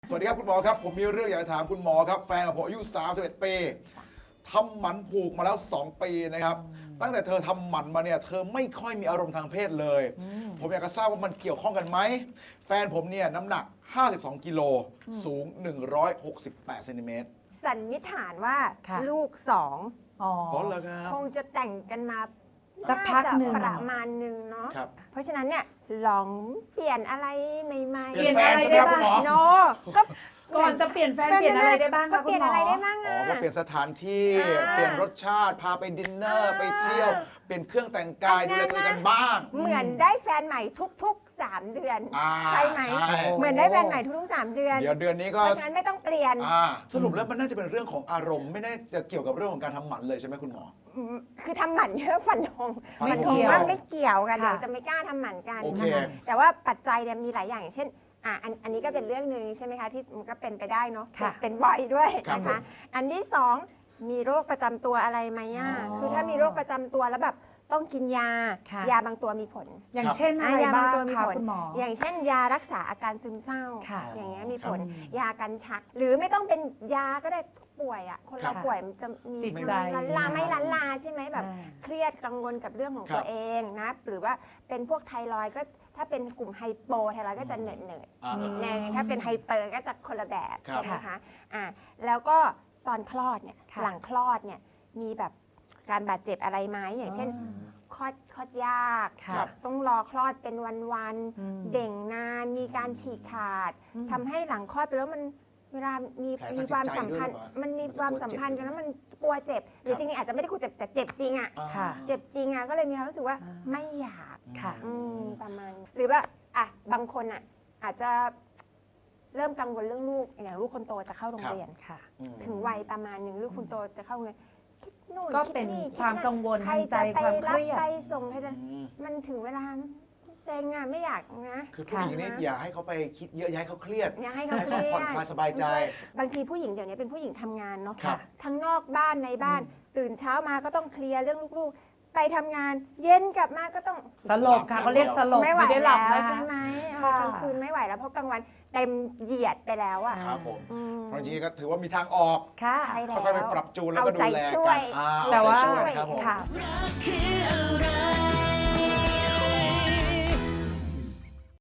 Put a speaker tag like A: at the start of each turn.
A: สวัสดีครับคุณหมอครับผมมีเรื่องอยากจะถามคุณหมอครับแฟนของผมอายุ31 ปีทำหมันผูกมาแล้ว2 ปีนะครับตั้งแต่เธอทำหมันมาเนี่ยเธอไม่ค่อยมีอารมณ์ทางเพศเลยผมอยากจะทราบว่ามันเกี่ยวข้องกันไหมแฟนผมเนี่ยน้ำหนัก52 กิโลสูง168 เซนติเมตร
B: สันนิษฐานว่า
C: ค่ะ
B: ลูกสอง
C: อ๋อ
A: อ๋อเหรอครับ
B: คงจะแต่งกันมา
C: สักพักหนึ่ง
B: าจะประมาณหนึ่งเนาะ
A: ครับ
B: เพราะฉะนั้นเนี่ยลองเปลี่ยนอะไรใหม่ๆ
A: เปลี่ยนแฟนใช่ไหมครับคุณหมอ
B: โนก็
C: ก่อนจะเปลี่ยนแฟนเปลี่ยนอะไรได้บ้าง
B: ก็
C: คะ
B: เป
C: คุ
B: ลี่
C: ณ
B: ยน
C: หมอ
B: อะไรได้บ้าง
A: อ๋อ
B: อ่ะ
A: ก็เปลี่ยนสถานที่
B: อ่า
A: เปลี่ยนรสชาติพาไปดินเนอร์ไปเที่ยวเปลี่ยนเครื่องแต่งกายดูแลตัวเองกันบ้าง
B: เหมือนได้แฟนใหม่ทุกๆ 3 เดือน ใช่ไหม
A: ใช่
B: เหมือนได้แฟนใหม่ทุกๆ 3 เดือน
A: เดี๋ยวเดือนนี้
B: เพ
A: ก็
B: ราะฉะนั้นไม่ต้องเปลี่ยน
A: สรุปแล้วมันน่าจะเป็นเรื่องของอารมณ์ไม่น่าจะเกี่ยวกับเรื่องของการทำหมันเลยใช่ไหมคุณหมอ
B: คือทำหมันเยอะฟันธง
A: ฟันธง
B: ฟันธงว่าไม่เกี่ยวกัน
C: ค่ะ
B: เดี๋ยวจะไม่กล้าทำหมันกัน
A: โอเค
B: นะคะแต่ว่าปัจจัยเนี่ยมีหลายอย่างอย่างเช่นอันนี้ก็เป็นเรื่องหนึ่งใช่ไหมคะที่มันก็เป็นไปได้เนาะ
C: ค่ะ
B: เป็นบ่อยด้วย
A: ครับ
B: นะ
A: ผ
B: คะ
A: ม
B: อันที่สองมีโรคประจำตัวอะไรไหมอ่ะ
C: อ๋อ
B: คือถ้ามีโรคประจำตัวแล้วแบบต้องกินยา
C: ค่ะ
B: ยาบางตัวมีผล
C: อย่างเช่นอะไร
B: ยา
C: บ้าง
B: ตัวมี
C: คะ
B: ผล
C: คุณหมอ
B: อย่างเช่น ยารักษาอาการซึมเศร้า
C: ค่ะ
B: อย่างเงี้ยมีผล
C: ครับ
B: ยากันชัก หรือไม่ต้องเป็นยาก็ได้ป่วยอ่ะคน
A: ครั
B: เรา
A: บ
B: ป่วยมันจะมี
C: จิตใจ
B: ลันลาไม่ลันลาใช่ไหมแบบ
C: อ่า
B: เครียดกังวลกับเรื่องของ
A: ครับ
B: ตัวเองนะหรือว่าเป็นพวกไทรอยด์ก็ถ้าเป็นกลุ่มไฮโปไทรอยด์ก็จะเหนื่อยเหนื่อย
A: อ่า
B: ในถ้าเป็นไฮเปอร์ก็จะคนละแบบ
A: ครับ
B: ใช่ไหมคะแล้วก็ตอนคลอดเนี่ย
C: ค่ะ
B: หลังคลอดเนี่ยมีแบบการบาดเจ็บอะไรไหมอย่างเช่น คลอดยาก
C: ค่ะ
A: ครับ
B: ต้องรอคลอดเป็นวัน
C: อืม
B: ๆเด่งนานมีการฉีกขาด
C: อืม
B: ทำให้หลังคลอดไปแล้วมันเวลามี
A: แผลทาง
B: มีความ
A: จิตใจ
B: สัมพันธ์
A: ด้วยหรือเปล่ามั
B: มันมี
A: มันจะ
B: ความสัมพันธ์
A: กลัวเจ็บ
B: กันแล้วมันกลัวเจ็บหรือ
A: ครับ
B: จริงๆอาจจะไม่ได้กลัวเจ็บแต่เจ็บจริงอ่ะ
C: ค่ะ
B: เจ็บจริงอ่ะก็เลยมีความรู้สึกว่า
C: อ่า
B: ไม่อยาก
C: ค่ะ
B: ประมาณหรือว่าบางคนอ่ะอาจจะเริ่มกังวลเรื่องลูกอย่างลูกคนโตจะเข้าโรงเรียน
C: ค่ะ
A: อืม
B: ถึงวัยประมาณหนึ่งลูกคนโตจะเข้าโรงเรียนคิดนู่น
C: ก็
B: คิด
C: เป็น
B: นี่
C: ความ
B: คิดนั่น
C: กังวล
B: ใคร
C: ทางใจ
B: จะไป
C: ความเค
B: รับ
C: รียด
B: ไปส่งใครจะ
A: อืม
B: มันถึงเวลาเซ็งอ่ะไม่อยากนะ
A: คือผู้หญิงนี่อย่าให้เขาไปคิดเยอะอย่าให้เขาเครียด
B: อยากให้เขา
A: ให้
B: เครี
A: เขา
B: ยด
A: ผ่อนคลายสบายใจ
B: บางทีผู้หญิงเดี๋ยวนี้เป็นผู้หญิงทำงานเนาะ
A: ครับ
B: ทั้งนอกบ้านในบ้าน ตื่นเช้ามาก็ต้องเคลียร์เรื่องลูกๆ ไปทำงาน เย็นกลับมาก็ต้อง
C: สลบค่ะเขาเรียกสลบ
B: ไม่ไหว
C: ไม่ได้หลับ
B: แล้ว
C: นะ
B: ใช่
C: คะ
B: ไหม
C: ค่ะ
B: กลางคืนไม่ไหวแล้วเพราะกลางวันเต็มเหยียดไปแล้วอ่ะ
A: ครับผม
B: อืม
A: เพราะจริงๆก็ถือว่ามีทางออก
C: ค่ะ
B: ใช่แล้ว
A: ค่อยๆไปปรับจูนแล้วก็ดูแล
B: เอาใจช่ว
A: กั
B: ย
A: นเอา
C: แต่
A: ใจ
C: ว่า
A: ช่วยนะครับผม
C: ค่ะ
D: คืออะไร